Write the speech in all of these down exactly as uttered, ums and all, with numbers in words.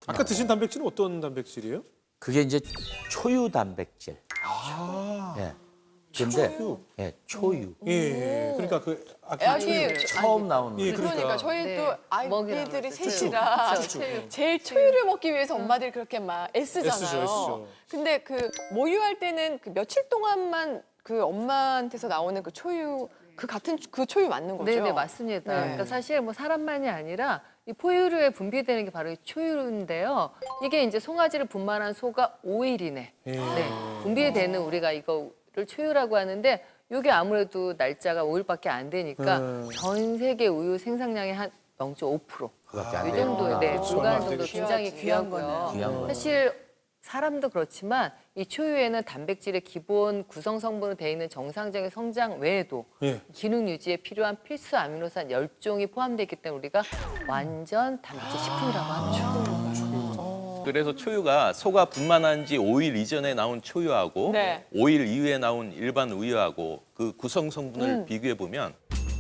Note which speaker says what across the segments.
Speaker 1: 아까 드신 단백질은 어떤 단백질이에요?
Speaker 2: 그게 이제 초유 단백질.
Speaker 1: 아,
Speaker 2: 예. 근데
Speaker 1: 초유?
Speaker 2: 예, 초유.
Speaker 1: 예, 예. 그러니까 그 아까
Speaker 3: 애기
Speaker 2: 처음 나오는
Speaker 1: 예,
Speaker 2: 거.
Speaker 1: 그러니까.
Speaker 3: 그러니까 저희
Speaker 4: 네.
Speaker 3: 또
Speaker 4: 먹이라고
Speaker 3: 아이들이
Speaker 4: 그랬어요.
Speaker 3: 셋이라
Speaker 4: 그쵸, 그쵸.
Speaker 3: 제일 초유를 먹기 위해서 엄마들이 그렇게 막 애쓰잖아요.
Speaker 1: 애쓰죠, 애쓰죠.
Speaker 3: 근데 그 모유할 때는 그 며칠 동안만 그 엄마한테서 나오는 그 초유 그 같은 그 초유 맞는 거죠?
Speaker 4: 네네 맞습니다.
Speaker 3: 네.
Speaker 4: 그러니까 사실 뭐 사람만이 아니라 이 포유류에 분비되는 게 바로 이 초유인데요. 이게 이제 송아지를 분만한 소가 오 일 이내
Speaker 1: 예.
Speaker 4: 네, 분비되는 우리가 이거를 초유라고 하는데 이게 아무래도 날짜가 오 일밖에 안 되니까
Speaker 1: 음.
Speaker 4: 전 세계 우유 생산량의 한 영 점 오 퍼센트
Speaker 2: 그밖에 안
Speaker 4: 이
Speaker 2: 돼요.
Speaker 4: 정도에 네,
Speaker 1: 그렇죠.
Speaker 4: 불과한
Speaker 1: 얼마 안
Speaker 4: 정도
Speaker 1: 되겠죠.
Speaker 4: 굉장히
Speaker 3: 귀하지.
Speaker 4: 귀하고요.
Speaker 2: 귀한 거예요.
Speaker 4: 사실 사람도 그렇지만 이 초유에는 단백질의 기본 구성 성분으로 되어 있는 정상적인 성장 외에도
Speaker 1: 예.
Speaker 4: 기능 유지에 필요한 필수 아미노산 열 종이 포함되어 있기 때문에 우리가 완전 단백질 식품이라고 하죠.
Speaker 5: 그래서 초유가 소가 분만한 지 오 일 이전에 나온 초유하고
Speaker 3: 네.
Speaker 5: 오 일 이후에 나온 일반 우유하고 그 구성 성분을
Speaker 3: 음.
Speaker 5: 비교해 보면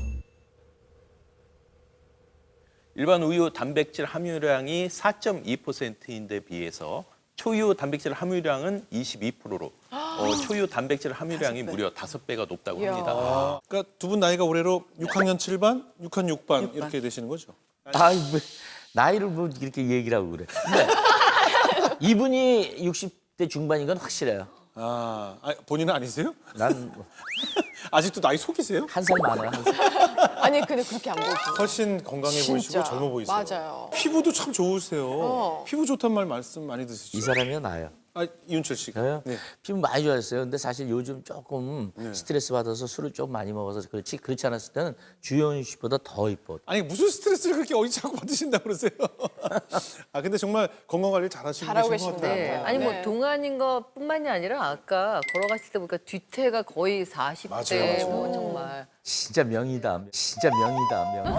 Speaker 5: 일반 우유 단백질 함유량이 사 점 이 퍼센트인데 비해서 초유 단백질 함유량은 이십이 퍼센트로 어, 초유 단백질 함유량이 무려 다섯 배가 높다고
Speaker 3: 이야.
Speaker 5: 합니다.
Speaker 1: 아, 그러니까 두 분 나이가 올해로 육 학년 칠 반, 육 학년 육 반 이렇게 되시는 거죠?
Speaker 2: 아이 뭐, 나이를 뭐 이렇게 얘기를 하고 그래. 근데 이분이 육십 대 중반인 건 확실해요.
Speaker 1: 아, 아 본인은 아니세요?
Speaker 2: 난
Speaker 1: 아직도 나이 속이세요?
Speaker 2: 한 살 많아요. 한 살.
Speaker 3: 아니 근데 그렇게 안 보이시죠?
Speaker 1: 훨씬 건강해 보이시고
Speaker 3: 진짜.
Speaker 1: 젊어 보이세요.
Speaker 3: 맞아요.
Speaker 1: 피부도 참 좋으세요.
Speaker 3: 어.
Speaker 1: 피부 좋단 말 말씀 많이 드시죠?
Speaker 2: 이 사람이요 나요.
Speaker 1: 아, 이윤철 씨가.
Speaker 2: 저요?
Speaker 1: 네.
Speaker 2: 피부 많이 좋아졌어요. 근데 사실 요즘 조금
Speaker 1: 네.
Speaker 2: 스트레스 받아서 술을 좀 많이 먹어서 그렇지 그렇지 않았을 때는 주현 씨보다 더 이뻐.
Speaker 1: 아니 무슨 스트레스를 그렇게 어디 자꾸 받으신다고 그러세요? 아 근데 정말 건강 관리 잘하시고
Speaker 3: 잘하고
Speaker 1: 계신 것
Speaker 3: 계신데.
Speaker 1: 같아요.
Speaker 4: 네. 아니 뭐
Speaker 3: 네.
Speaker 4: 동안인 것뿐만이 아니라 아까 걸어갔을 때 보니까 뒤태가 거의 사십 대
Speaker 1: 맞아요, 맞아요.
Speaker 4: 뭐 정말
Speaker 2: 진짜 명이다. 진짜 명이다. 명.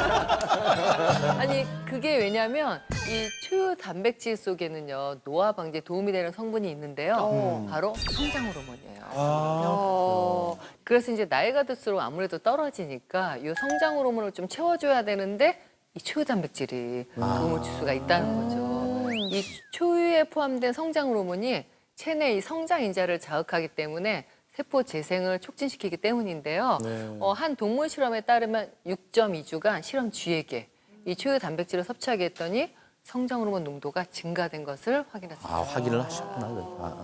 Speaker 4: 아니 그게 왜냐면 이 초유 단백질 속에는요 노화 방지에 도움이 되는 성분이 있는데요
Speaker 3: 어.
Speaker 4: 바로 성장 호르몬이에요.
Speaker 1: 아,
Speaker 3: 어.
Speaker 4: 그래서 이제 나이가 들수록 아무래도 떨어지니까 이 성장 호르몬을 좀 채워줘야 되는데 이 초유 단백질이 도움을 줄 수가 있다는 거죠. 이 초유에 포함된 성장 호르몬이 체내 이 성장 인자를 자극하기 때문에 세포 재생을 촉진시키기 때문인데요.
Speaker 1: 네.
Speaker 4: 어, 한 동물 실험에 따르면 육 점 이 주간 실험 쥐에게 이 초유 단백질을 섭취하게 했더니 성장 호르몬 농도가 증가된 것을 확인했습니다.
Speaker 2: 아 확인을 하셨구나. 아.